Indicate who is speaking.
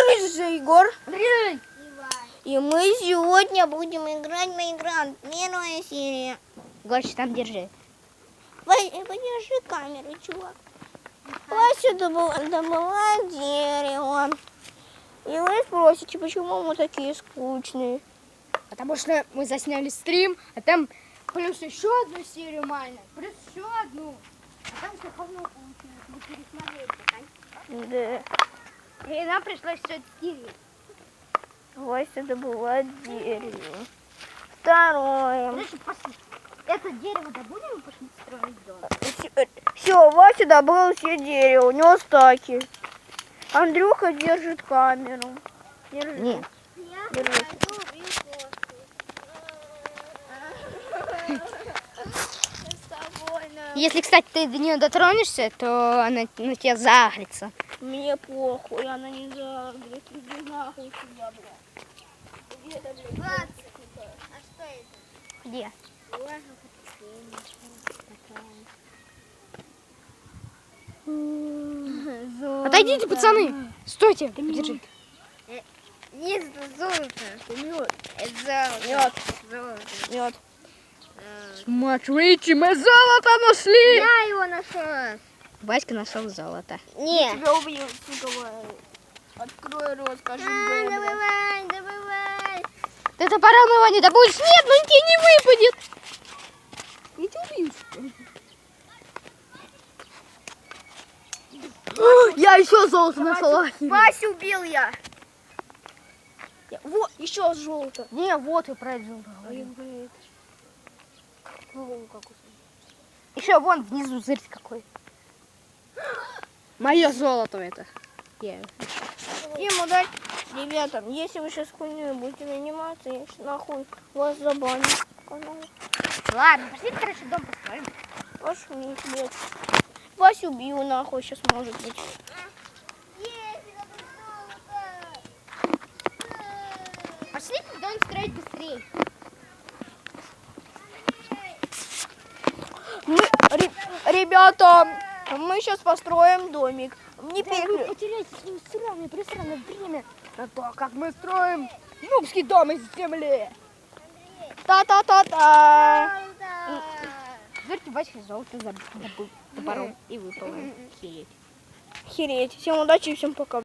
Speaker 1: Привет, Егор.
Speaker 2: Привет.
Speaker 1: И мы сегодня будем играть в Майнкрафт. Первая серия.
Speaker 2: Гоша, там держи.
Speaker 1: Подержи камеру, чувак. Вася добывает дерево. И вы спросите, почему мы такие скучные?
Speaker 2: Потому что мы засняли стрим, а там плюс еще одну серию Майна, плюс еще одну. А там все равно получилось. Мы пересмотрели,
Speaker 1: Да.
Speaker 2: и нам пришлось все стереть.
Speaker 1: Вася добывает дерево. Второе.
Speaker 2: Подожди, послушай. Это дерево добудем и пошли строить дом.
Speaker 1: Все, Вася добыл все дерево. У него стаки. Андрюха держит камеру. Держи.
Speaker 2: Нет.
Speaker 1: Держи.
Speaker 2: Если, кстати, ты до нее дотронешься, то она на тебя загрится.
Speaker 1: Мне похуй, она не загрет. Иди нахуй сюда, бля. Где-то, блядь.
Speaker 3: А что это?
Speaker 2: Где? Отойдите, пацаны. Стойте, держи.
Speaker 3: Нет, это золото. Это
Speaker 1: Нет,
Speaker 3: золото.
Speaker 1: нет.
Speaker 2: Смотрите, мы золото нашли.
Speaker 3: Я его нашла.
Speaker 2: Васька нашел золото.
Speaker 3: Нет.
Speaker 1: Тебя убью, сука. Открой рот, скажи, бля.
Speaker 3: Добывай, добывай.
Speaker 2: Ты топором его не добудешь? Нет, ну тебе не выпадет.
Speaker 1: Я тебя убью.
Speaker 2: Я еще золото нашла.
Speaker 1: Васю убил я. Вот, еще золото.
Speaker 2: Не, вот я про это золото
Speaker 1: Ой,
Speaker 2: говорю.
Speaker 1: блядь.
Speaker 2: Еще вон внизу зырь какой. Мое золото это.
Speaker 1: Ему дать. Ребята, если вы сейчас хуйней будете заниматься, я сейчас нахуй вас забаню.
Speaker 2: Ладно, пошли, короче, дом построим.
Speaker 1: Пошли, блядь. Васю убью нахуй сейчас может быть.
Speaker 2: Пошли дом строить быстрее.
Speaker 1: Ребята, мы сейчас построим домик. Не
Speaker 2: Да, вы
Speaker 1: переключ.
Speaker 2: потеряете свое сраное, пресранное время на то, как мы строим нубский дом из земли.
Speaker 1: Та-та-та-та.
Speaker 2: Зырьте, Васька золото добыл топором и выпал. Хереть.
Speaker 1: Хереть. Всем удачи и всем пока.